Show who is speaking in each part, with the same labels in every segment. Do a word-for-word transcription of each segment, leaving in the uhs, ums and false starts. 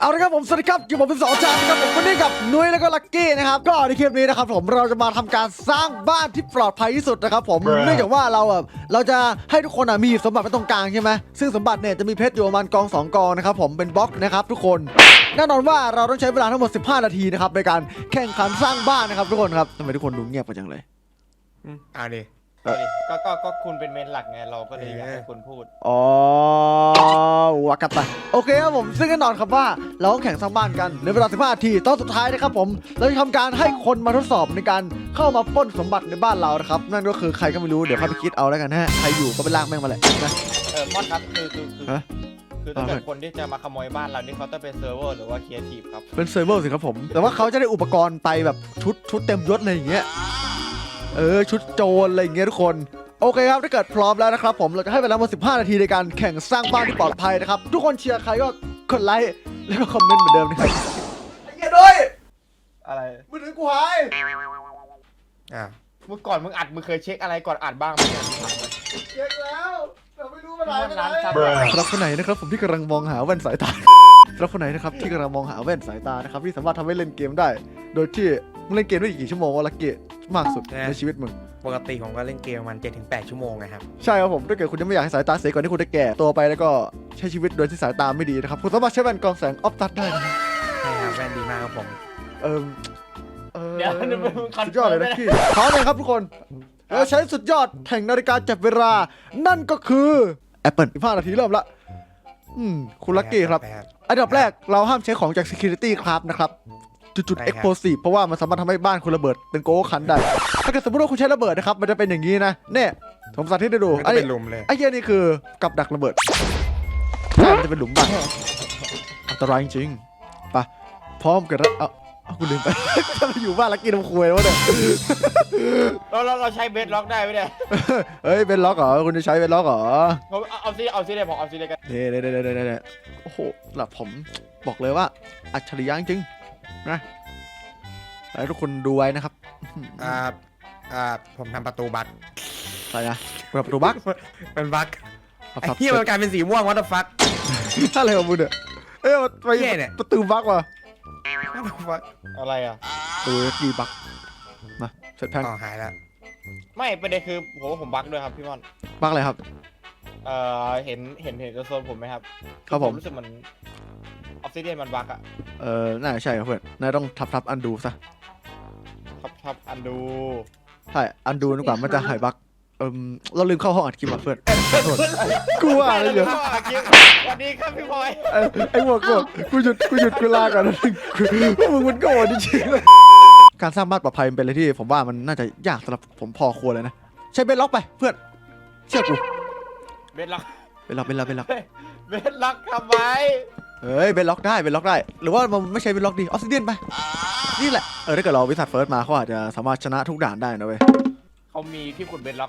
Speaker 1: เอาละครับผมสวัสดีครับอยู่ผมเป็นสองจานนะครับผมวันนี้กับนุ้ยแล้วก็ลักกี้นะครับก็ในคลิปนี้นะครับผมเราจะมาทำการสร้างบ้านที่ปลอดภัยที่สุดนะครับผมเนื่องจากว่าเราอ่ะเราจะให้ทุกคนอ่ะมีสมบัติไว้ตรงกลางใช่ไหมซึ่งสมบัติเนี่ยจะมีเพชรอยู่ประมาณกองสองกองนะครับผมเป็นบล็อกนะครับทุกคนแน่นอนว่าเราต้องใช้เวลาทั้งหมดสิบห้านาทีนะครับในการแข่งขันสร้างบ้านนะครับทุกคนครับทำไมทุกคนดูเงียบไปจังเลย
Speaker 2: อืมเอาดิ
Speaker 3: เอาดิก็ก็ก็คุณเป็นเมนหลักไงเราก็เลยอยากให้คุณพูด
Speaker 1: อ๋อวากัตตะโอเคครับผมซึ่งแน่นอนครับว่าเราต้องแข่งสร้างบ้านกันในเวลาสิบห้านาทีตอนสุดท้ายนะครับผมเราจะทำการให้คนมาทดสอบในการเข้ามาปล้นสมบัติในบ้านเรานะครับนั่นก็คือใครก็ไม่รู้เดี๋ยวเข้าไปคิดเอาแล้วกันนะฮะใครอยู่ก็ไปลากแม่งมาแหละนะ
Speaker 3: เออมอดครับคือคือคือ
Speaker 1: ฮะ
Speaker 3: คือถ้าเกิ
Speaker 1: อ่า
Speaker 3: ดคนที่จะมาขโมยบ้านเรานี่เขาต้องเป็นเซิร์ฟเวอร์หรือว่าครีเอทีฟครับ
Speaker 1: เป็นเซิร์ฟเวอร์สิครับผมแต่ว่าเขาจะได้อุปกรณ์ไปแบบชุดชุดเต็มยศอะไรอย่างเงี้ยเออชุดโจรอะไรอย่างเงี้ยทุกคนโอเคครับถ้าเกิดพร้อมแล้วนะครับผมเราจะให้เวลามาสิบห้านาทีในการแข่งสร้างบ้านที่ปลอดภัยนะครับทุกคนเชียร์ใครก็กดไลค์แล้วก็คอมเมนต์เหมือนเดิมนะครับไอ้เหี้ยด้วย
Speaker 3: อะไร
Speaker 1: มือถือกูหาย
Speaker 2: อ่า
Speaker 3: เมื่อก่อนมึงอัดมึงเคยเช็คอะไรก่อนอัดบ้างไหมเนี่ย
Speaker 1: เช็คแล้วแต่ไม่รู้เมื่อไหร่
Speaker 3: ร้าน
Speaker 1: เมื่อไหร่
Speaker 3: ซับ
Speaker 1: สำหรับคนไหนนะครับผมที่กำลังมองหาแว่นสายตาสำหรับคนไหนนะครับที่กำลังมองหาแว่นสายตานะครับที่สามารถทำให้เล่นเกมได้ โดยที่มึงเล่นเกมได้กี่ชั่วโมงวะลักเกตมากสุดในชีวิตมึง
Speaker 2: ปกติผมก็เล่นเกมประมันเจ็ดถึงแปดชั่วโมงนะครับ
Speaker 1: ใช่ครับผมถ้าเกิดคุณยังไม่อยากให้สายตาเสียก่อนที่คุณจะแก่ตัวไปแล้วก็ใช้ชีวิตโดยที่สายตาไม่ดีนะครับคุณสามารถใช้แว่นกรองแสงออฟตัดได้นะ
Speaker 2: ใช่ครับแว่นดีมากครับผม
Speaker 1: เออเออ
Speaker 3: เดี๋ยวนึกว่ามึงคัน
Speaker 1: สุดยอดเลยนะพี่พร้อมเลยครับทุกคนเราใช้สุดยอดแห่งนาฬิกาจับเวลานั่นก็คือ Apple สิบห้านาทีเริ่มละอืมคุณลักกี้ครับ อันดับแรกเราห้ามใช้ของจาก Security ครับนะครับจุดๆ explosive เพราะว่ามันสามารถทำให้บ้านคุณระเบิดเป็นโกโก้คันได้ถ้าเกิดสมมติว่าคุณใช้ระเบิดนะครับมันจะเป็นอย่างนี้นะเนี่ยผมสาธิตให้ดู
Speaker 2: มัน
Speaker 1: ไอ้
Speaker 2: ก็เป็นลุมเลย
Speaker 1: ไอ้เหี้ยนี่คือกับดักระเบิดใช่มันจะเป็นหลุมบ้านอันตรายจริงๆไปพร้อมกันแล้วเอาเอาคุณลืมไป จะมาอยู่บ้านลักกี้ทำคุยแล้วเนี่ย
Speaker 3: เราเราเราใช้เบสล็อกได้ไหมเนี่ย
Speaker 1: เฮ้ยเป็นล็อกเหรอคุณจะใช้เป็นล็อกเหรอ
Speaker 3: ผมเอาเอาซิเอาซิเลยผมเอาซิเลยกัน
Speaker 1: เด้เด้เด้เด้เด้โอ้โหหลับผมบอกเลยว่าอัจฉริยะจริงนะแล้วทุกคนดูไว้นะครับ
Speaker 2: อ่าอ่าผมทำประตูบั๊ก
Speaker 1: อะไรนะเปิดประตูบั๊ก
Speaker 2: เป็นบั๊ก
Speaker 1: ครับ
Speaker 2: ไอ้เหี้ยมันกลายเป็นสีม่วงวัตถุฟัก
Speaker 1: อะไรของมึงเนี่ยเอ้ยไป
Speaker 2: เหี้ยเนี่ย
Speaker 1: ประตูบั๊กว่ะ
Speaker 2: วัตถุฟัก
Speaker 3: อะไรอ่ะ
Speaker 1: ตัวกีบั๊กมาเสร็จแพง
Speaker 2: อ๋อหายแล้ว
Speaker 3: ไม่ประเด็นคือผมว่าผมบั๊กด้วยครับพี่มอน
Speaker 1: บั๊กอะไรครับ
Speaker 3: เอ่อเห็นเห็นเห็นโซนผมไหมครับ
Speaker 1: ครับผม
Speaker 3: รู้สึกมันออฟซิเดียนมันบั๊กอะ
Speaker 1: เออน่าจะใช่ครับเพื่อนนายต้องทับทับอันดูซะ
Speaker 3: ครับครับอันดู
Speaker 1: ใช่อันดูดีกว่ามันจะหายบั๊กเออเราลืมเข้าห้องอัดคลิปว่ะเพื่อนขอโทษกูว่าอะไรเยอะ
Speaker 3: สวัสดีครับพี่พลอย
Speaker 1: ไอ้ไอ้หัวโกรธกูหยุดกูหยุดกูลาก่อนนะกูมึงมันโกรธจริงๆเลยการสร้างบ้านปลอดภัยมันเป็นอะไรที่ผมว่ามันน่าจะยากสำหรับผมพอควรเลยนะใช้เบนล็อกไปเพื่อนเชื่อกู
Speaker 3: เบสล็อก
Speaker 1: เบนล็อกเบนล็อกเบนล็อก
Speaker 3: เบสล็อกทำไม
Speaker 1: เฮ้ยเบนล็อกได้เบนล็อกได้หรือว่ามันไม่ใช่เบนล็อกดีออสซิเดียนไปนี่แหละเออถ้าเกิดเราวิสัทเฟิร์สมาเขาอาจจะสามารถชนะทุกด่านได้นะเว้ย
Speaker 3: เขามีที่ขุดเบสล็อก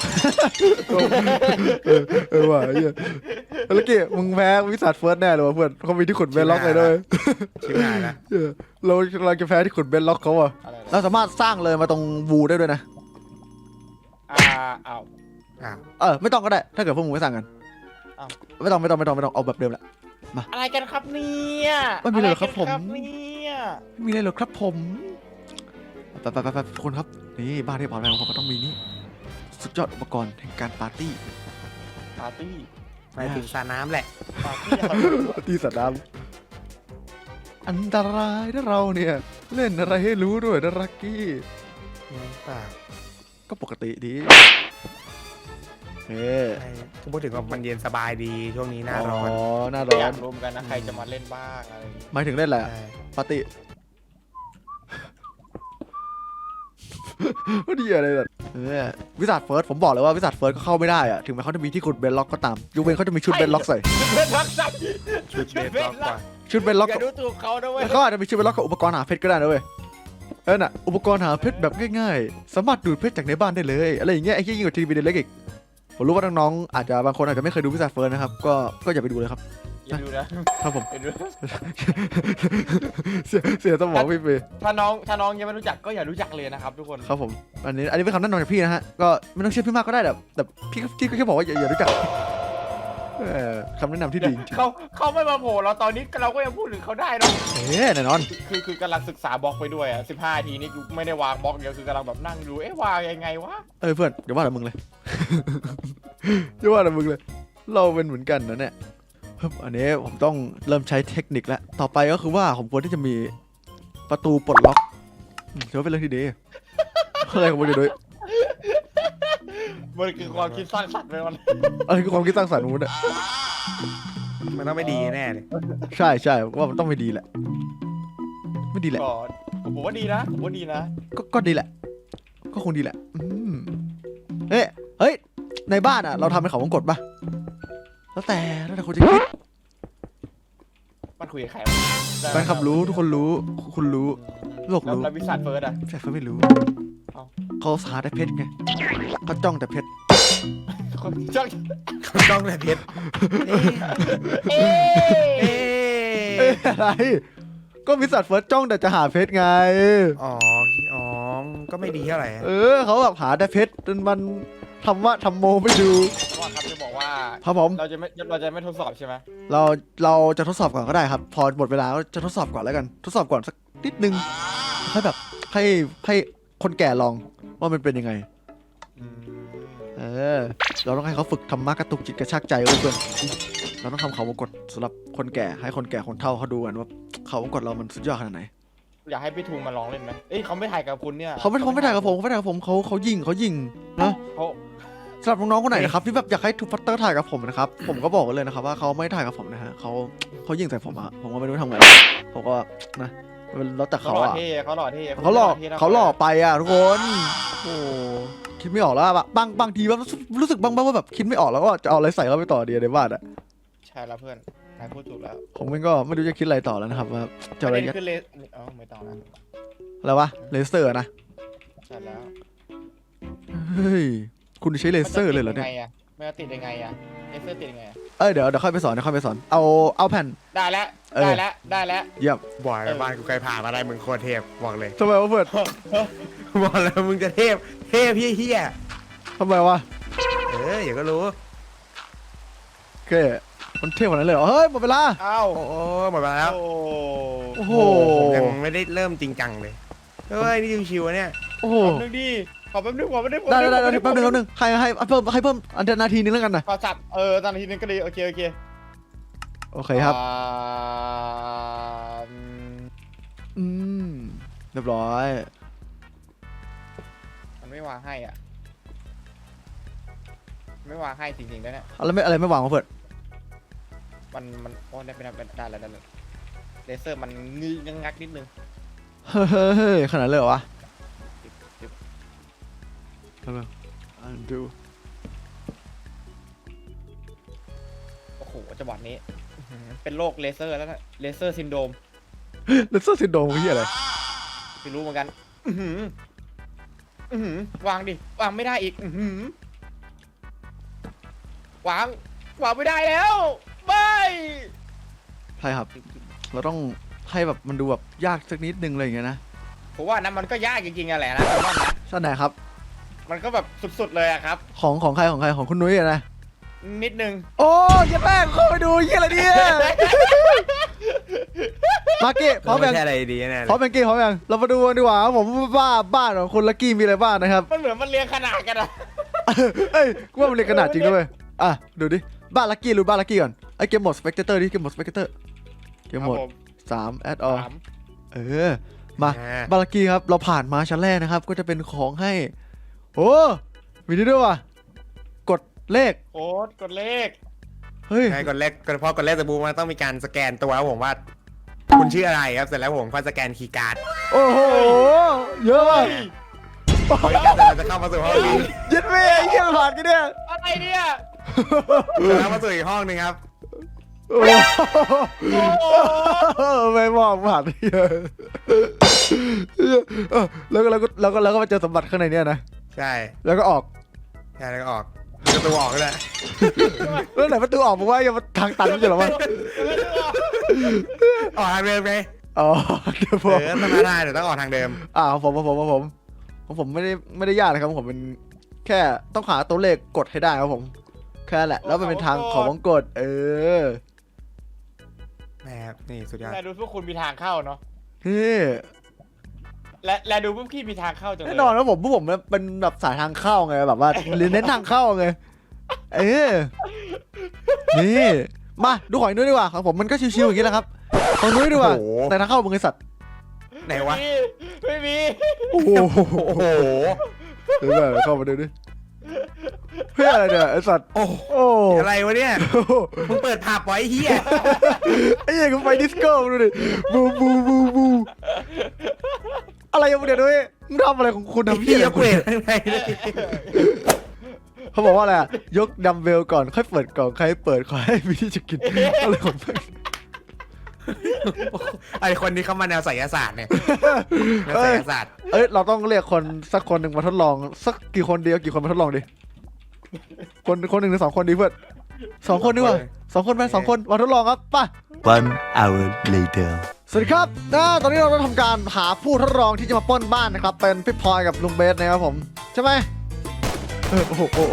Speaker 1: เออเออว่ะเฮียแล้วกี้มึงแพ้วิสัทเฟิร์สแน่เลยว่ะเพื่อนเขามีที่ขุดเบนล็อกเลยด้วย
Speaker 2: ชิบหายแล้ว
Speaker 1: เออเราเราจะแพ้ที่ขุดเบนล็อกเขาอ่ะ
Speaker 3: อะไรนะ
Speaker 1: เราสามารถสร้างเลยมาตรงวูได้ด้วยนะ
Speaker 3: อ่าเอา
Speaker 2: อ้าว
Speaker 1: เออไม่ต้องก็ได้ถ้าเกิดพวกมึงไม่สั่งกัน
Speaker 3: อ้าว
Speaker 1: ไม่ต้องไม่ต้องไม่ต้องไม่ต้องเอาแบบเดิมละ
Speaker 3: อะไรกันครับเนี่ย
Speaker 1: ไม่มีเลยเหรอครับผม
Speaker 3: อะไกันเนี่ย
Speaker 1: ไม่มีอะไรหรอกครับผมไปไปไปไปทุกคนครับนี่บ้านที่ปลอดภัยของผมก็ต้องมีนี่สุดยอดอุปกรณ์แห่งการปาร์ตี้
Speaker 3: ปาร์ตี้
Speaker 2: ไปถึงสระน้ำแหละ
Speaker 3: ปาร์ตี้อะไร
Speaker 1: ปาร์ตี้สัตว์น้ำอันตรายนะเราเนี่ยเล่นอะไรให้รู้ด้วยนะรักกี้
Speaker 2: อืมเปล่า
Speaker 1: ก็ปกติดีเฮ้
Speaker 2: ใช่ก็พูดถึงว่ามันเย็นสบายดีช่วงนี้หน้าร้อน
Speaker 1: อ๋อหน้าร้
Speaker 3: อ
Speaker 1: อย
Speaker 3: าน กรู้เหมือนกันนะใครจะมาเล่นบ้างอะไรอย่างงี้
Speaker 1: หมายถึงเล่นอะไรอะ
Speaker 2: ใช่
Speaker 1: ปาร์ตี้ ก็ดีอะไรแบบเออวิสัทเฟิร์สผมบอกเลยว่าวิสัทเฟิร์สก็เข้าไม่ได้อะถึงแม้เขาจะมีที่ขุดเบนล็อกก็ตามยกเว้นเขาจะมีชุดเบนล็อกใส่
Speaker 3: ชุดเบสล็อกใส่
Speaker 2: ชุดเบสล็อกกว่า
Speaker 1: ชุดเบนล็อก
Speaker 3: อย่าดูถูกเขานะเว้ย
Speaker 1: เขาอาจจะมีชุดเบนล็อกกับอุปกรณ์หาเพชรก็ได้นะเว้ยเออน่ะอุปกรณ์หาเพชรแบบง่ายๆสามารถดูดเพชรจากในบ้านได้เลยอะไรอย่างเงี้ยไอ้เหี้ยยิ่งกว่าทีวีเด็กอีกผมรู้ว่าน้องๆอาจจะบางคนอาจจะไม่เคยดูวิสัทเฟิร์สนะครับก็ก็อย่าไปดูเลยครับ
Speaker 3: อย่าดูนะครับ
Speaker 1: ผม
Speaker 3: อย่าดู
Speaker 1: เสียเสียสมองพี่เป
Speaker 3: ถ้าน้องถ้าน้องยังไม่รู้จักก็อย่ารู้จักเลยนะครับทุกคน
Speaker 1: ครับผมอันนี้อันนี้เป็นคำแนะนำจากพี่นะฮะก็ไม่ต้องเชื่อพี่มากก็ได้แต่แต่พี่ก็พี่ก็แค่บอกว่าอย่าอย่ารู้จักเออคำแนะนำที่ดีจริง
Speaker 3: เขาเขาไม่มาโผล่เราตอนนี้เราก็ยังพูดถึงเขาได้เนาะ
Speaker 1: เอ๊ะแน่นอน
Speaker 3: คือคือกำลังศึกษาบล็อกไปด้วยอ่ะสิบห้าทีนี่กูไม่ได้วางบล็อกเดียวคือกำลังแบบนั่งดูเอ๊ะวางยังไงวะ
Speaker 1: เอ้ยเพื่อนอย่าว่าแต่มึงเลย อย่าว่าแต่มึงเลย เราเป็นเหมือนกันนะเนี่ยฮึบอันนี้ผมต้องเริ่มใช้เทคนิคแล้ว ต่อไปก็คือว่าผมควรที่จะมีประตูปลดล็อกอืมถือว่าเป็นเรื่องที่ดีอะไรของมึงอยู่ด้วย
Speaker 3: มันคือความคิดสร้างสรรค์ไปมัน
Speaker 1: อะไรคือความคิดสร้างสรรค์ของมึงเนี่ย
Speaker 2: มันต้องไม่ดีแน่เลย
Speaker 1: ใช่ใช่ว่ามันต้องไม่ดีแหละ ไม่ดีแหละ
Speaker 3: ก่อนผมว่าดีนะผมว่าดีนะ
Speaker 1: ก็ก็ดีแหละ ก็คงดีแหละ อืมเอ๊ะเฮ้ย ในบ้านอ่ะ เราทำเป็นเขาวงกตป่ะ แล้วแต่แล้วแต่คุณจะคิด
Speaker 3: มันคุยกับใคร
Speaker 1: แฟนคลับรู้ทุกคนรู้ คุณรู้ โลก
Speaker 3: แล้ว
Speaker 1: รู้
Speaker 3: แล้ววิสัทเฟิร์สอ่ะ
Speaker 1: แฟนเขาไม่รู้
Speaker 3: เอ้า
Speaker 1: เขาหาแต่เพชรไงเขาจ้องแต่เพชร
Speaker 3: จ้อง
Speaker 2: ต้องแต่เพชร
Speaker 3: เอ๊
Speaker 2: เอ๊
Speaker 1: เอ๊ะ
Speaker 2: ะ
Speaker 1: อะไร ก็วิสัทเฟิร์สจ้องแต่จะหาเพชรไง
Speaker 2: อ๋ออ๋อก็ไม่ดีเท่าไหร่
Speaker 1: เออเขาแบบหาแต่เพชรจนมันทำว่าทำโมไม่ดู
Speaker 3: ว่าครับจะบอกว่า
Speaker 1: ครับผม
Speaker 3: เราจะไม่เราจะไม่ทดสอบใช่ไหม
Speaker 1: เราเราจะทดสอบก่อนก็ได้ครับ พอหมดเวลาก็จะทดสอบก่อนแล้วกัน ทดสอบก่อนสักนิดนึงให้แบบให้ให้คนแก่ลองว่ามันเป็นยังไง
Speaker 3: อืม
Speaker 1: เออ เราต้องให้เขาฝึกธรรมะกระตุกจิตกระชากใจไว้เพื่อนเราต้องทำเขาวงกตสำหรับคนแก่ให้คนแก่คนเฒ่าเขาดูกันว่าเขาวงกตเรามันสุดยอดขนาดไหน
Speaker 3: อยากให้พี่ทูมาลองเล่นไหมเอ้ยเขาไม่ถ่ายกับคุณเนี่ย
Speaker 1: เขาไม่เขาไม่ถ่ายกับผมเขาไม่ถ่ายกับผมเขาเขายิงเขายิงนะ
Speaker 3: เขา
Speaker 1: สำหรับน้องๆคนไหนนะครับที่แบบอยากให้ทูฟัตเตอร์ถ่ายกับผมนะครับผมก็บอกไว้เลยนะครับว่าเขาไม่ถ่ายกับผมนะฮะเขาเขายิงใส่ผมอะผมก็ไม่รู้ทำไงผมก็นะมันแล้วแต่
Speaker 3: เขา
Speaker 1: เขา
Speaker 3: หล่อ
Speaker 1: อะ
Speaker 3: เท่เขาหล่อเท่
Speaker 1: เขาหล่อ
Speaker 3: ท่นะ
Speaker 1: เขาหล่อไปอะทุกคนโอ้คิดไม่ออกแล้วอะบางบางทีแบบรู้สึกบ้างบ้างว่าแบบคิดไม่ออกแล้วก็จะเอาอะไรใส่เข้าไปต่อดีในบ้านอะ
Speaker 3: ใช่แล้วเพื่อนนายพูดถูกแล้ว
Speaker 1: ผมก็ไม่รู้จะคิดอะไรต่อแล้วนะครับว่าจะ
Speaker 3: ป
Speaker 1: อะไร
Speaker 3: ระเด็น
Speaker 1: ยัด
Speaker 3: คือเลเอ้าไม่ต้องนะ
Speaker 1: อะไรวะเลเซอร์นะ
Speaker 3: ใช่แล้ว
Speaker 1: เฮ้ยคุณใช้เลเซอร์เลยเหรอเนี่ย
Speaker 3: มันจะติดยังไงอะเลเซอร์ติดยังไงอะ
Speaker 1: เอ้ยเดี๋ยวเดี๋ยวค่อยไปสอนเดี๋ยวค่อยไปสอนเอาเอาแผ่น
Speaker 3: ได้แล้ว
Speaker 1: เออ
Speaker 3: ได้แล้วได้แล้ว
Speaker 1: เยี่ยม
Speaker 2: บ่อยบ้านกูเคยผ่านมาได้มึงโคตรเทพบอกเลย
Speaker 1: ทำไมวะเพื่อน
Speaker 2: บอกแล้วมึงจะเทพเทพเฮี้ย
Speaker 1: ทำไมวะ
Speaker 2: ๆเอออย่าก็รู้
Speaker 1: โอเคมันเท่กว่านั้นเลยเหรอเฮ้ยหมดเวลา
Speaker 3: เอ้า
Speaker 2: โอ้หมดเวลาแล้ว
Speaker 3: โอ้
Speaker 1: โอ้โห
Speaker 2: ผมยังไม่ได้เริ่มจริงจังเลยเฮ้ยนี่ชิวๆอะเนี่ย
Speaker 1: โอ้โห
Speaker 3: แป๊บนึงดิขอแป๊บนึงขอแป๊บนึง
Speaker 1: ได้ได้ได้ได้แป๊บนึงแป๊บนึงให้ให้ให้เพิ่มให้เพิ่มอันเดนาทีนึงแล้วกันนะ
Speaker 3: ขอสับเออตอนนาทีนึงก็ดีโอเคโอเค
Speaker 1: โอเคครับ
Speaker 3: อ่าอืม
Speaker 1: อืมเรียบร้อย
Speaker 3: มันไม่วางให้อ่ะไม่วางให้จริงๆแล้วเนี่ย
Speaker 1: อะไรไม่อะไรไม่วางวะเพื่อน
Speaker 3: มันมันโอ้ได้ไปได้ไปได้แล้วได้แล้วเลเซอร์มันงึกงักนิดนึง
Speaker 1: เฮ้ยเฮ้ยเฮ้ยขนาดเลยเหรอวะ
Speaker 3: จิ๊บ
Speaker 1: ทำไมอันดู
Speaker 3: โอ้โหจังหวะนี้อื้อหือเป็นโรคเลเซอร์แล้วนะเลเซอร์ซินโดรม
Speaker 1: เลเซอร์ซินโดรมคืออะไร
Speaker 3: ไม่รู้เหมือนกัน อื้อหืออื้อหือวางดิ วางไม่ได้อีก อื้อหือวาง วางไม่ได้แล้ว ไม่
Speaker 1: ใช่ครับ เราต้องให้แบบมันดูแบบยากสักนิดนึงอะไรอย่างเงี้ยนะ
Speaker 3: ผมว่านั้นมันก็ยากจริงๆอะแหละนะผมว่านะ
Speaker 1: ใช่ไหนครับ
Speaker 3: มันก็แบบสุดๆเลยอะครับ
Speaker 1: ของของใครของใครของคุณนุ้ยอะนะ
Speaker 3: นิดนึง
Speaker 1: โอ้ยเหี้ยแป้งเข้าไปดูเยี่ยอะไรเนี่ยมาร์เก้พร้อม
Speaker 2: ไม่
Speaker 1: ยัง
Speaker 2: ใช่อะไรดีแน่เล
Speaker 1: พร้อม
Speaker 2: ย
Speaker 1: ยังเก้พร้อมยังเรามาดูกันดีกว่าครับผมว่าบ้านของคุณลักกี้มีอะไรบ้างนะครับ
Speaker 3: มันเหมือนมันเรียงขนาดกันอะ
Speaker 1: เอ้ยกูว่ามันเรียนขนาดจริงด้วยอ่ะดูดิบ้านลักกี้รู้บ้านลักกี้ก่อนไอ้เกมโหมดสเปกเตอร์ดิเกมโหมดสเปกเตอร์เกมโหมด
Speaker 3: ครับผ
Speaker 1: สามแอดออ
Speaker 3: สาม
Speaker 1: เออมา
Speaker 2: อ่า
Speaker 1: บ้านลักกี้ครับเราผ่านมาชั้นแรกนะครับก็จะเป็นของให้โอ้มีนี่ด้วยว่ะกดเลข
Speaker 3: โค้ดกดเลข
Speaker 1: เฮ้ย
Speaker 2: ใช่กดเลขกดพอกดเลขสบูมันต้องมีการสแกนตัวครับผมว่า คุณชื่ออะไรครับเสร็จแล้วผมก็สแกนคีย์การ์ด
Speaker 1: โอ้โหเยอะมาก
Speaker 2: พอคีย์การ์ดเสร็จเราจะเข้ามาสู่ห้องนี้
Speaker 1: ยึดไม่ไอ้เหี้ยผ่านกันเนี่ย
Speaker 3: อะไรเนี่ย
Speaker 2: แล้วมาสู่อีกห้องหนึงครับ
Speaker 1: โอ้โหไม่มองผ่านเยอะเออแล้วก็แล้วก็แล้วก็แล้วก็มาเจอสมบัติข้างในเนี่ยนะ
Speaker 2: ใช่
Speaker 1: แล้วก็ออก
Speaker 2: ใช่แล้วก็ออกประตูออกเลย
Speaker 1: แล้วไหนประตูออกบอกว่าอย่ามาทางตันไม่ใช่เหรอวะ
Speaker 2: ออกทางเดิมไง
Speaker 1: อ๋อเดี๋ยวผ
Speaker 2: เอ
Speaker 1: ม
Speaker 2: อต้องมาได้เดี๋ยวต้องออกทางเดิม
Speaker 1: อ่าของผมของผมของผมของผมไม่ได้ไม่ได้ยากนะครับผมเป็นแค่ต้องหาตัวเลขกดให้ได้ครับผมแค่นั้นแหละแล้วมันเป็นทางเขาวงกตเออ
Speaker 2: นะครับนี่สุดยอด
Speaker 3: และดูพวกคุณมีทางเข้าเนาะ
Speaker 1: นี่
Speaker 3: และและดูพวกพี่มีทางเข้าจังเลย
Speaker 1: แน่นอนว่าผมพวกผมเป็นแบบสายทางเข้าไงแบบว่าเน้นทางเข้าไงเออนี่มาดูของนุ้ยดีกว่าของผมมันก็ชิวๆอย่างนี้แหละครับของนุ้ยดีกว่าแต่ทางเข้ามึงไอสัตว์
Speaker 2: ไหนวะ
Speaker 3: ไม่มี
Speaker 1: โอ้โห
Speaker 2: โอ้โห
Speaker 1: เดี๋ยวแบบเข้ามาดูดิเพื่ออะไรเนี่ยไอสัตว์
Speaker 2: โอ้
Speaker 1: โอ้
Speaker 2: อะไรวะเนี่ยมึงเปิดผับไว้เฮีย
Speaker 1: ไอ้เหี้ยกูไปดิสโก้ดูดิบูบูบูบูอะไรอย่างเงี้ยด้วยมึงทำอะไรของคุณทำ
Speaker 2: พี่
Speaker 1: เหี้ย
Speaker 2: ยกเวทข้างในเลย
Speaker 1: เขาบอกว่าอะไรอะยกดัมเบลก่อนค่อยเปิดกล่องใครเปิดขอให้มีที่จะกินอะไรของมึง
Speaker 2: ไอคนนี้เข้ามาแนวไสยศาสตร์เนี่ยแนวไสยศาสตร์
Speaker 1: เอ้ยเราต้องเรียกคนสักคนหนึ่งมาทดลองสักกี่คนเดียวกี่คนมาทดลองดิคนคนหนึ่งหรือสองคนดีเพื่อนสองคนดีกว่าสองคนไหมสองคนมาทดลองครับป่ะ
Speaker 4: One hour later.
Speaker 1: สวัสดีครับนะตอนนี้เราต้องทำการหาผู้ทดลองที่จะมาปล้นบ้านนะครับเป็นพี่พลอยกับลุงเบสนะครับผมใช่ไหมเออโอ้โหโอ้โห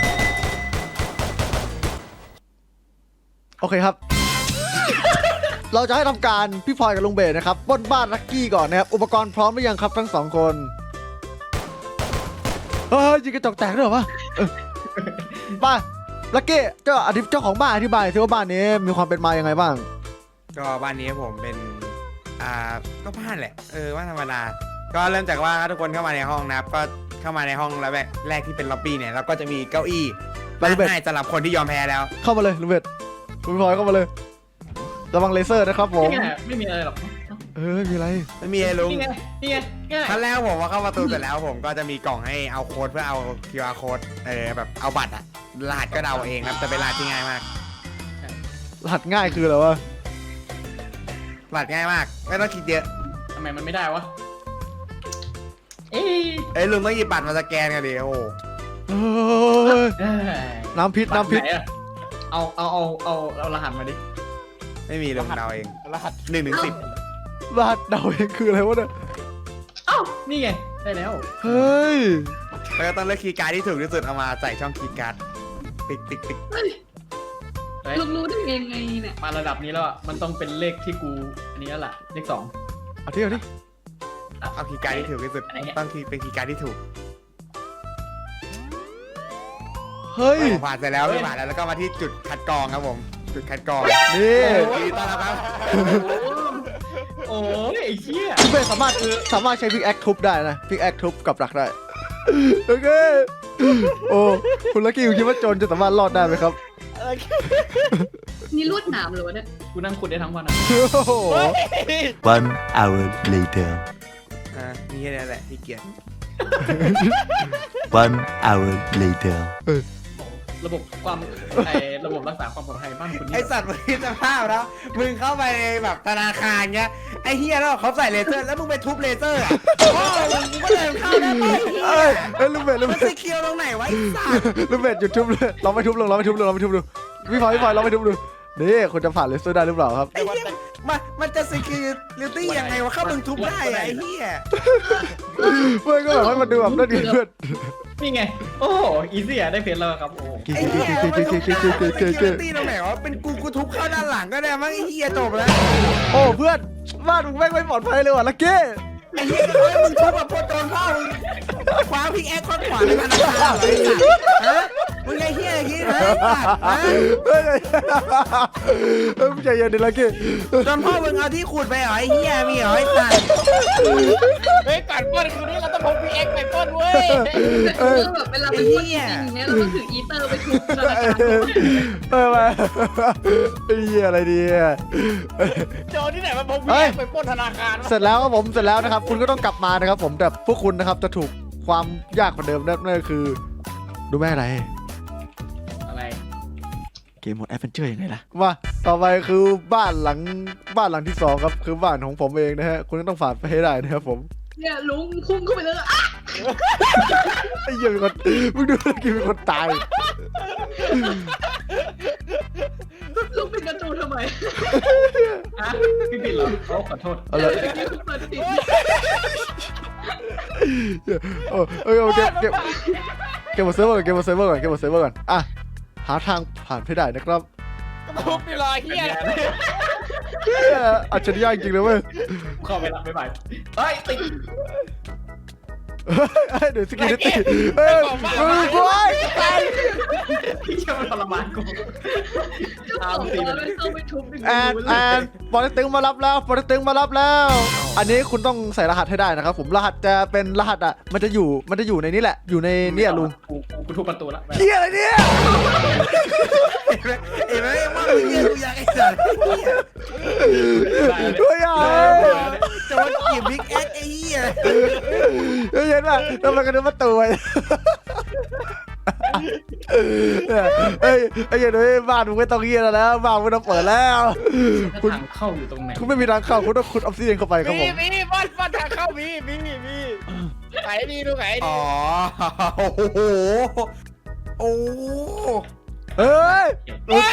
Speaker 1: โอเคครับ เราจะให้ทำการพี่พลอยกับลุงเบสนะครับปล้นบ้านลักกี้ก่อนนะครับอุปกรณ์พร้อมหรือยังครับทั้งสองคนเฮ้ยยิงกระจกแตกด้วยเหรอวะเออมาลักกี้เจ้าอธิเจ้าของบ้านอธิบายสิว่าบ้านนี้มีความเป็นมายังไงบ้าง
Speaker 2: ก็บ้านนี้ผมเป็นอ่าก็บ้านแหละเออบ้านธรรมดาก็เริ่มจากว่าทุกคนเข้ามาในห้องนะครับก็เข้ามาในห้องแล้วแรกที่เป็นล็อบบี้เนี่ยแล้วก็จะมีเก้าอี้นั่งให้สำหรับคนที่ยอมแพ้แล้ว
Speaker 1: เข้ามาเลยลุงเบสลุงพลอยเข้ามาเลยระวังเลเซอร์นะครับผม
Speaker 5: นี่ไงไม่มีอะไรหรอก
Speaker 1: เออมีอะไร
Speaker 2: ไม่มีไอ้ลุง
Speaker 5: นี่ไงนี่ไงง่าย
Speaker 2: ขั้นแรกผมว่าเข้าประตูเสร็จแล้วผมก็จะมีกล่องให้เอาโค้ดเพื่อเอา คิว อาร์ โค้ดเออแบบเอาบัตรอะรหัสก็เดาเองครับแต่เป็นรหัสที่ง่ายมาก
Speaker 1: รหัสง่ายคืออะไรวะ
Speaker 2: รหัสง่ายมากไม่ต้องคิดเยอะ
Speaker 5: ทำไมมันไม่ได้วะ เอ้ย
Speaker 2: เอ้ยลุงต้องหยิบบัตรมาสแกนกันดิโอ้
Speaker 1: เอ้ย
Speaker 5: เอ้ย
Speaker 1: น้ำพิษน้ำพิษ
Speaker 5: บัตรไหอะเอาเอาเอาเอาเอารหัสมาดิ
Speaker 2: ไม่มีลุงเดาเอง
Speaker 3: รหัส
Speaker 2: หนึ่งถึงสิบ
Speaker 1: รหัสเดาเองคืออะไรวะเนี่ย
Speaker 5: เอ้านี่ไงได้แล้ว
Speaker 1: เฮ้ย
Speaker 2: แล้วก็ต้องเลือกคีย์การ์ดที่ถูกที่สุดเอามาใส่ช่องคีย์การ์ดติ๊กติ๊กติ๊ก
Speaker 5: เฮ้ย
Speaker 6: ลุงรู้ได้ยังไงเนี่ย
Speaker 5: มาระดับนี้แล้วอะมันต้องเป็นเลขที่กูอันนี้แล้วล่ะเลขสอง
Speaker 1: เอาที่เอาที่
Speaker 2: เอาคีย์การ์ดที่ถูกที่สุด
Speaker 5: อะไรเนี่ย
Speaker 2: ต้องคีย์เป็นคีย์การ์ดที่ถูก
Speaker 1: เฮ้ย
Speaker 2: ผ่านเสร็จแล้วผ่านแล้วแล้วก็มาที่จุดคัดกรองครับผมจุดคัดกรอง
Speaker 1: นี่
Speaker 2: ยินดีต้อนรับครับ
Speaker 5: โอ้ยไอ้เหี้ย
Speaker 1: คุณเบสสามารถสามารถใช้พิกแอคทุบได้นะพิกแอคทุบกับดักได้โอเคโอ้คุณลักกี้คุณคิดว่าโจรจะสามารถรอดได้ไหมครับ
Speaker 6: นี่ลวดหนามเหรอวะเนี่ย
Speaker 5: กูนั่งขุดได้ทั้งวันอะ
Speaker 1: โอ้โห
Speaker 4: One hour later.
Speaker 2: อ่านี่แค่นั้นแหละที่เกียร
Speaker 4: One hour later.
Speaker 5: ระบบความไอ้ระบบรักษาความปลอดภัยบ้านคุณ
Speaker 2: ไอ
Speaker 5: นี่
Speaker 2: สัตว์มึงคิดสภาพแล้วมึงเข้าไปในแบบธนาคารเงี้ยไอเฮียแล้วเขาใส่เลเซอร์แล้วมึงไปทุบเลเซอร์อ่ะโอ้มึงก็เดินเข้าได้ไหม
Speaker 1: เอ้ยเอ้ยลุงเบสลุง
Speaker 2: มัน
Speaker 1: เบ
Speaker 2: ไป
Speaker 1: ส
Speaker 2: เคียวตรงไหนวะไอสัตว์
Speaker 1: ลุงเบสหยุดทุบเลยลองไปทุบลองลองไปทุบดูลองไปทุบดูพี่พลอยพี่พลอยลองไปทุบดูนี่คุณจะผ่านเลเซอร์ได้หรือเปล่าครับ
Speaker 2: ไอเฮียมันมันจะ security ยังไงวะเข้ามึงทุบได้อะไอเฮีย
Speaker 1: เพื่อนก็แบบให้มันดูแบบน่าดีเพื่อน
Speaker 5: นี่ไงโอ้โหอีซี่อะได้เพชรแล้วครับโอ้โห
Speaker 2: ไอเฮียมันทุบได้มัน security ตรงไหนวะเป็นกูกูทุบเข้าด้านหลังก็ได้มั้งไอเฮียจบแล้ว
Speaker 1: โอ้เพื่อนบ้านมึงแม่งไม่ปลอดภัยเลยว่ะลักกี้
Speaker 2: ไอ้เหี้ยเฮ้ยมึงทุบแบบโคตรโดนพ่อมึงคว้าพิกแอคข้อนขวาในธนาคารเลยสัตว์ฮะมึงไอ้เหี้ยอย่างงี้นะไอ้สัตว์ฮะ
Speaker 1: เฮ้ยเฮ้ยใจเย็นดิลักกี้
Speaker 2: โดนพ่อมึงเอาที่ขุดไปเหรอไอ้เหี้ยมีเหรอไอ้สัตว์
Speaker 3: เฮ้ยก่อนปล้นคืนนี้เราต้องพกพีเอ็กไปปล้นเว้ย
Speaker 6: แต่คือแบบเวลาเป็นคนจริงเนี่ยเราต้องถืออีเตอร์ไปทุบธนาคารด้วย
Speaker 1: เออมาไอ้เหี้ยอะไรดีอ่ะ
Speaker 3: โจรที่ไหนมาพกพีเอ็กไปปล้นธนาคารวะ
Speaker 1: เสร็จแล้วครับผมเสร็จแล้วนะครับคุณก็ต้องกลับมานะครับผมแต่พวกคุณนะครับจะถูกความยากกว่าเดิมนั่นก็คือดูแม่อะไร
Speaker 5: อะไร
Speaker 1: เกมโหมดแอดเวนเจอร์ยังไงล่ะมาต่อไปคือบ้านหลังบ้านหลังที่สองครับคือบ้านของผมเองนะฮะคุณก็ต้องผ่านไปให้ได้นะครับผม
Speaker 6: เนี่ยลุงพุ่งเข้าไปเลยอ่ะ
Speaker 1: ไอ้เหี้ยมีคนมึงดูเมื่อกี้มีคนตาย
Speaker 6: ลุงเป็นกระจูนทำไม
Speaker 5: อ่ะพี่ปิดเหรอโอ้ขอโทษ
Speaker 1: เอา
Speaker 6: เดี๋
Speaker 1: ละ
Speaker 6: ยวเมื่อกี้คุณเปิดปิด
Speaker 1: โอ้เออเก็บเก็บเก็บหมดเซิร์ฟเวอร์ก่อนเก็บหมดเซิร์ฟเวอร์ก่อนเก็บหมดเซิร์ฟเวอร์ก่อนอ่ะหาทางผ่านให้ได้นะครับ
Speaker 3: ทุบไปรอยเฮีย
Speaker 1: เหี้ยอัจฉริยะจริงเลยเว้ย
Speaker 5: เข้าไปละไม่ไหวเฮ้ยติด
Speaker 1: เฮ้ยเดี๋ยวสกินติเฮ้ยมึงกูไอ้ตาย
Speaker 5: พี่เชื่อมันทรมานกู
Speaker 6: ก็บอกว่าไม่ต้องไปทุบ
Speaker 1: แอนแอนปอเต็กตึงมารับแล้วปอเต็กตึงมารับแล้ว อันนี้คุณต้องใส่รหัสให้ได้นะครับผมรหัสจะเป็นรหัสอ่ะมันจะอยู่มันจะอยู่ในนี้แหละอยู่ในเนี่ยลุง
Speaker 5: กูกูทุบประตูละ
Speaker 1: เฮียอะไรเนี่ย
Speaker 2: เอ้ยไม่ว่ามึงเฮียกูอยากไอ้สัตว์
Speaker 1: เฮ้ยอ่ะ
Speaker 2: จะมาเกี่ยวบิ๊กแอคไอ้เหี้ย
Speaker 1: เฮ้ยเห็นป่ะทำไมกันนึกว่าตัวเฮ้ยไอ้เหี้ยเฮ้ยบ้านมึงไม่ต้องเฮียแล้วนะบ้านมึงต้องเปิดแล้ว
Speaker 5: คุณทางเข้าอยู่ตรงไหน
Speaker 1: คุณไม่มีทางเข้าคุณต้องขุดออฟซิเดียนเข้าไปครับผ
Speaker 3: มี
Speaker 1: ม
Speaker 3: มีบอลบอลทางเข้ามีมีมีไหนดีดูไหนดี
Speaker 2: อ๋อโอ้โหโอ้
Speaker 1: เฮ้ยเฮ้ย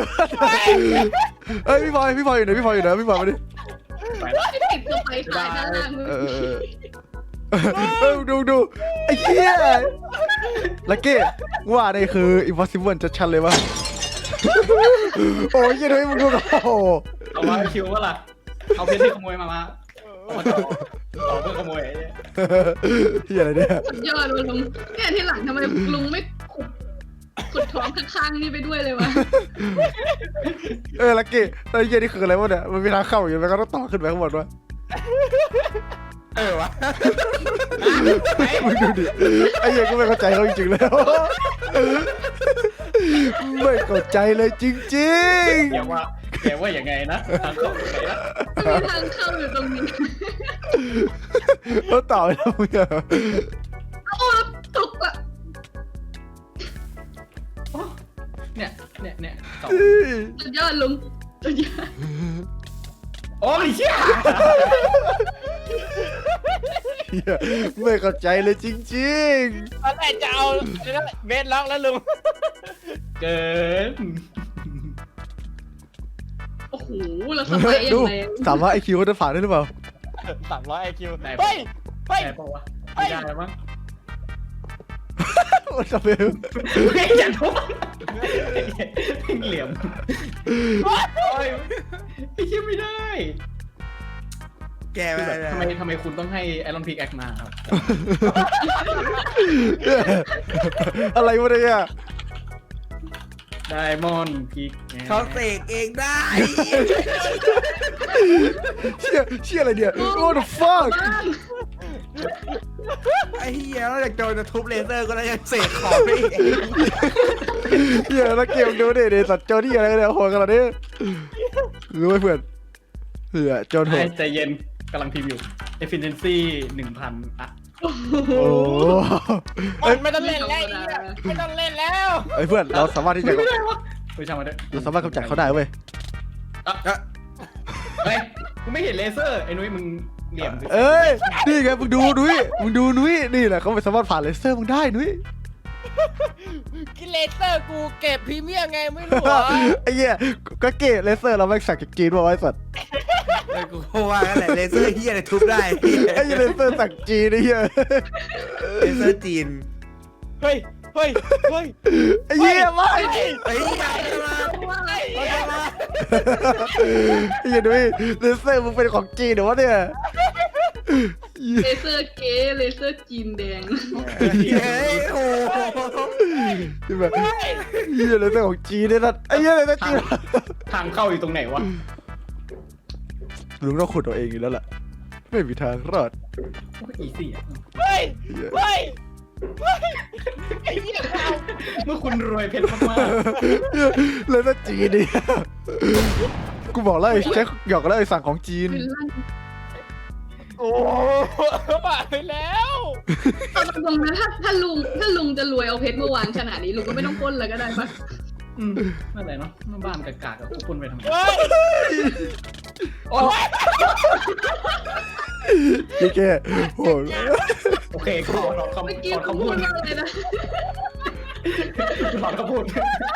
Speaker 1: พี่บอยพี่บอยอยู่ไหนพี่บอยอยู่ไหนพี่บอยมาดิ
Speaker 6: ติดตัวไปขายด้านล่าง
Speaker 1: เออเออดูดูไอ้เหี้ยลักกี้ว่านี่คือ impossible จะชันเลยวะโอ้ยยังไงมึงดูกับโอ้โห
Speaker 5: เอามาคิวว่าล่ะเอาเพชรที่ขโมยมามาเอามาต่อต่อเพื่อขโมย
Speaker 1: เหี้ยอะไรเนี่ย
Speaker 6: สุดยอดเลยลุงเนี่ยที่หลังทำไมลุงไม่ขุดขุดท้องข้างๆนี่ไปด้วยเลยวะ
Speaker 1: เออลักกี้ไอ้เหี้ยนี่คืออะไรวะเนี่ยมันมีทางเข้าอยู่แล้วก็ต้องต่อขึ้นไปข้างบนวะ
Speaker 2: เออวะ
Speaker 1: มึงดูดิไอ้เหี้ยกูไม่เข้าใจเขาจริงๆแล้วไม่เข้าใจเลยจริง
Speaker 5: แกว่าแกว่าอย่างไงนะทางเข้าตรงไหนนะ
Speaker 6: มีทางเข้าอยู่ตรงนี้
Speaker 1: ๆเขาต่อไปแล้วมึงอะ
Speaker 6: โอ้ตกอะ
Speaker 5: เนี่ยเนี่ยเนี่ยต่อ
Speaker 6: สุดยอดลุงสุดยอด
Speaker 5: โอ้ยเชี่ย
Speaker 1: เหี้ยไม่เข้าใจเลยจริง
Speaker 3: ตอนแรกจะเอาเบสล็อกแล้วลุง
Speaker 5: เกิน
Speaker 6: โอ้โหแล้วสไปยั
Speaker 1: ๆดู
Speaker 6: งไง
Speaker 1: ถามว่าไอคิวเขาจะผ่านได้หรือเปล่า
Speaker 3: สามร้อยไอคิว
Speaker 5: ไหน
Speaker 3: เฮ้ยเฮ้ย
Speaker 5: ไหนบอกว่าไม่ได้มั้ง
Speaker 1: โอ้ยจะเบล
Speaker 5: ไม่อย่าทุบเหลี่ยมโอ้ยไม่ใช่ไม่ได้
Speaker 2: แกไม่ได้
Speaker 5: ทำไมทำไมคุณต้องให้ไอรอนพิกแอคมาครับ
Speaker 1: อะไรวะเนี่ย
Speaker 5: ไดมอนด์พิก
Speaker 2: เขาเสกเองได้
Speaker 1: เชี่ยเชี่ยอะไรเนี่ย what the fuck
Speaker 2: ไอ้เหี้ยนอกจากโจรจะทุบเลเซอร์ก็แล้วยังเสกของไปอีก
Speaker 1: เฮียแล้วเกมดูดิเดสัตว์โจนี่อะไรเนี่ยโหดขนาดนี้รู้ไหมเพื่อนเผื่อโจนโหด
Speaker 5: ใจเย็นกำลังพรีวิว efficiency หนึ่งพันอะ
Speaker 6: โอ้โห
Speaker 1: โอ้
Speaker 3: มันไม่ต้องเล่นแล้วไม่ต้องเล่นแล้ว
Speaker 1: ไอเพื่อนเราสามารถที่จะ
Speaker 5: ไม่ได้วะไม่ช่างมันเถอะ
Speaker 1: เราสามารถกำจัดเขาได้เว้ย
Speaker 5: เฮ้ยกูไม่เห็นเลเซอร์ไอ้นุ้ยมึงเหลี่ยมสิ
Speaker 1: เอ้ยนี่ไงมึงดูนุ้ยมึงดูนุ้ยนี่แหละเขาไม่สามารถผ่านเลเซอร์มึงได้นุ้ย
Speaker 3: กิเลเซอร์กูเก็บพรีเมียมไงไม่รู้เหรอ
Speaker 1: ไอ้เหี้ยก็เกตเลเซอร์เราไม่สั่งจากจีนมาไว้สัตว์
Speaker 2: เออกูก็ว่ากันแหละเลเซอร์เหี้ยอะไรทุบได้
Speaker 1: ไอ้เหี้ยเลเซอร์สั่งจีนไอ้เหี้ย
Speaker 2: เลเซอร์จีน
Speaker 3: เฮ้ยเฮ้ยเฮ้ย
Speaker 1: ไอ้เหี้ยไม่
Speaker 2: ไอ้เหี้ยมา
Speaker 6: ว่าอะไร
Speaker 1: ไอ้เหี้ยนุ้ยเลเซอร์มึงเป็นของจีนเหรอวะเนี่ย
Speaker 6: เลเซอร์เก๋เลเซอร์จีนแดง
Speaker 2: เฮ้ยโอ้โห
Speaker 1: ที่แบบเหี้ยเลเซอร์ของจีนเนี่ยนะไอ้เหี้ยเลเซอร์จีน
Speaker 5: ทางเข้าอยู่ตรงไหนวะ
Speaker 1: ลุงต้องขุดเอาเองอยู่แล้วล่ะไม่มีทางรอด
Speaker 5: โอ้ยอีสี่อะ
Speaker 3: เฮ้ย
Speaker 1: เหี้ย
Speaker 3: เฮ้ยเฮ้ยไอ้เหี้ยเอา
Speaker 5: เมื่อคุณรวยเพชรมาก
Speaker 1: เลเซอร์จีนเนี่ยกูบอกแล้วไอ้แจ็คหยอกแล้วไอ้สั่งของจีน
Speaker 6: คือลั่น
Speaker 3: โอ้บ้าไปแล้ว
Speaker 6: ตอนตรงนั้นถ้าถ้าลุงถ้าลุงจะรวยเอาเพชรมาวางขนาดนี้ลุงก็ไม่ต้องปล้นเลยก็ได้ปะ
Speaker 5: ๆอืมนั่นแหละเนาะบ้านกากๆกับทุกคนไปทำไม
Speaker 3: เฮ้ยโอ้ย
Speaker 1: พี่แกโหด
Speaker 5: โอเคขอถอนคำ
Speaker 6: เมื่อกี้
Speaker 5: ถอน
Speaker 6: เขา
Speaker 5: คำ
Speaker 6: พู
Speaker 5: พู
Speaker 6: ด
Speaker 5: ด
Speaker 6: ว่าอะไรนะ
Speaker 5: ถอนคำพูด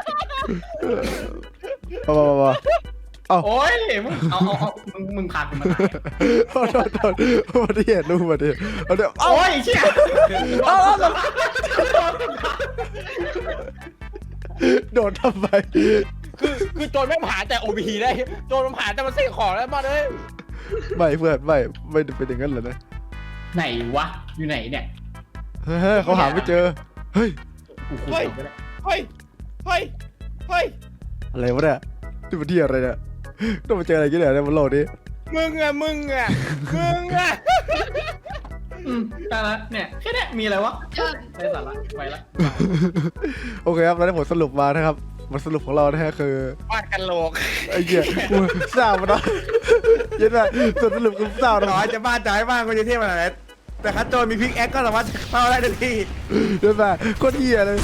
Speaker 1: มามามา
Speaker 5: โอ้ยมึงเอาเอาเอามึงมึงพากูมาตาย
Speaker 1: โทษโทษโทษมาที่เห็นลูกมาดิเอาเดี๋ยวเอา
Speaker 5: โอ้ยเชี่ย
Speaker 1: เอาเอาโดนทำไม
Speaker 3: คือคือโจรไม่ผ่านแต่โอพีได้โจรมันผ่านแต่มันเสกของแล้วมาเลย
Speaker 1: ไม่เพื่อนไม่ไม่เป็นอย่างนั้นเลยนะ
Speaker 5: ไหนวะอยู่ไหนเนี่ย
Speaker 1: เฮ้ยเขาหาไม่เจอเฮ้ย
Speaker 5: กูขุด
Speaker 3: เฮ้ย
Speaker 5: เอาไปแล้ว
Speaker 3: เฮ้ยเฮ้ยเฮ้ย
Speaker 1: อะไรวะเนี่ยที่มันที่อะไรเนี่ยต้องมาเจออะไรกันเนี่ยในบนโลกนี้
Speaker 3: มึงอะมึงอะมึงอะ
Speaker 5: อืมได้ละเนี่ยแค่เนี้ยมีอะไรวะ
Speaker 6: ยอด
Speaker 5: ได้สาระไปละ
Speaker 1: โอเคครับแล้วได้ผลสรุปมานะครับผลสรุปของเรานะฮะคือ
Speaker 3: วาดกันโหลก
Speaker 1: ไอ้เหี้ยกูเศร้ามาเนาะเย็นไปส่วนสรุปคือเศร้า
Speaker 2: ต่
Speaker 1: นะ
Speaker 2: อให้จะบ้านจะให้บ้านคนจะเที่ยวขนาดไหนแต่คัดโจรมีพิกแอคก็สามารถเข้าได้ทันที
Speaker 1: เย็นไปโคตรเหี้ยเลย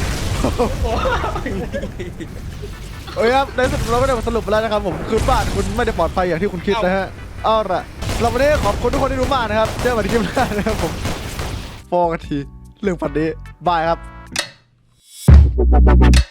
Speaker 1: โอเคครับในสุดเราก็ได้ผลสรุปไปแล้วนะครับผมคือบ้านคุณไม่ได้ปลอดภัยอย่างที่คุณคิดนะฮะเอาล่ะเราวันนี้ขอบคุณทุกคนที่ดูมากนะครับเจอกันในคลิปหน้านะครับผมโฟกันทีเรื่องพันนี้บายครับ